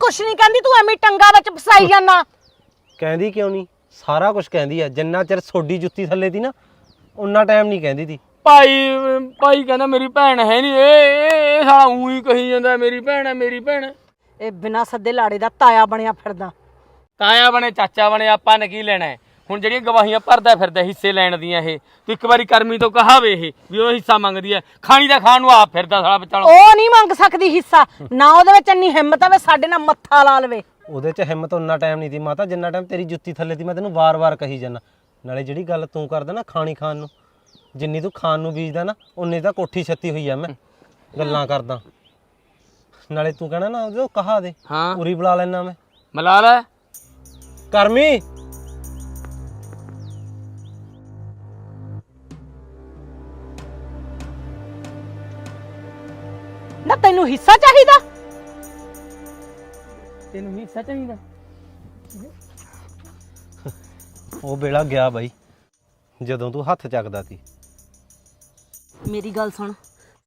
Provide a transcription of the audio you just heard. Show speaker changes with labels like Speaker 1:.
Speaker 1: ਕੁਛ ਨਹੀਂ ਕਹਿੰਦੀ, ਤੂੰ ਐਵੇਂ ਟੰਗਾ ਵਿੱਚ ਫਸਾਈ ਜਾਂਦਾ।
Speaker 2: ਕਹਿੰਦੀ ਕਿਉਂ ਨਹੀਂ, ਸਾਰਾ ਕੁਝ ਕਹਿੰਦੀ ਆ। ਜਿੰਨਾ ਚਿਰ ਸੋਡੀ ਜੁੱਤੀ ਥੱਲੇ ਦੀ ਨਾ ਉਨਾ ਟਾਈਮ ਨਹੀਂ ਕਹਿੰਦੀ ਤੀ।
Speaker 3: ਭਾਈ ਕਹਿੰਦਾ ਮੇਰੀ ਭੈਣ ਹੈ ਨਹੀਂ, ਇਹ ਸਾਲਾ ਊਂ ਕਹੀ ਜਾਂਦਾ ਮੇਰੀ ਭੈਣ ਹੈ ਮੇਰੀ ਭੈਣ।
Speaker 1: ਇਹ ਬਿਨਾਂ ਸੱਦੇ ਲਾੜੇ ਦਾ ਤਾਇਆ ਬਣਿਆ ਫਿਰਦਾ।
Speaker 3: ਤਾਇਆ ਬਣੇ ਚਾਚਾ ਬਣੇ, ਆਪਾਂ ਨੇ ਕੀ ਲੈਣਾ? ਹੁਣ ਜਿਹੜੀਆਂ ਗਵਾਹੀਆਂ ਭਰਦਾ ਫਿਰਦਾ ਹਿੱਸੇ ਲੈਣ ਦੀਆਂ, ਇਹ ਤੂੰ ਇੱਕ ਵਾਰੀ ਕਰਮੀ ਤੋਂ ਕਹਾਵੇ ਇਹ ਵੀ ਉਹ ਹਿੱਸਾ ਮੰਗਦੀ ਹੈ, ਖਾਣੀ ਦਾ ਖਾਣ ਨੂੰ ਆਪ ਫਿਰਦਾ ਸਾਲਾ ਵਿਚਾਲਾ।
Speaker 1: ਉਹ ਨਹੀਂ ਮੰਗ ਸਕਦੀ ਹਿੱਸਾ, ਨਾ ਉਹਦੇ ਵਿੱਚ ਇੰਨੀ ਹਿੰਮਤ ਆਵੇ ਸਾਡੇ ਨਾਲ ਮੱਥਾ ਲਾ ਲਵੇ।
Speaker 2: ਉਹਦੇ 'ਚ ਹਿੰਮਤ ਉਨਾ ਟਾਈਮ ਨਹੀਂ ਤੀ ਮਾਤਾ ਜਿੰਨਾ ਟਾਈਮ ਤੇਰੀ ਜੁੱਤੀ ਥੱਲੇ ਦੀ। ਮੈਂ ਤੈਨੂੰ ਵਾਰ-ਵਾਰ ਕਹੀ ਜਾਂਦਾ। ਨਾਲੇ ਜਿਹੜੀ ਗੱਲ ਤੂੰ ਕਰਦਾ ਨਾ ਖਾਣੀ ਖਾਣ ਨੂੰ, ਜਿੰਨੀ ਤੂੰ ਖਾਣ ਨੂੰ ਬੀਜਦਾ ਨਾ ਉਨੀ ਤਾਂ ਕੋਠੀ ਛੱਤੀ ਹੋਈ ਆ। ਮੈਂ ਗੱਲਾਂ ਕਰਦਾ, ਨਾਲੇ ਤੂੰ ਕਹਿਣਾ ਨਾ ਉਹ ਕਹਾ ਦੇ,
Speaker 3: ਹਾਂ
Speaker 2: ਉਰੀ ਬੁਲਾ ਲੈਣਾ ਮੈਂ।
Speaker 3: ਮਿਲਾ ਲੈ
Speaker 2: ਕਰਮੀ।
Speaker 1: ਨਾ ਤੈਨੂੰ ਹਿੱਸਾ ਚਾਹੀਦਾ?
Speaker 3: ਤੈਨੂੰ ਹਿੱਸਾ ਚਾਹੀਦਾ?
Speaker 2: ਉਹ ਵੇਲਾ ਗਿਆ ਬਾਈ ਜਦੋਂ ਤੂੰ ਹੱਥ ਚੱਕਦਾ ਸੀ।
Speaker 1: ਮੇਰੀ ਗੱਲ ਸੁਣ,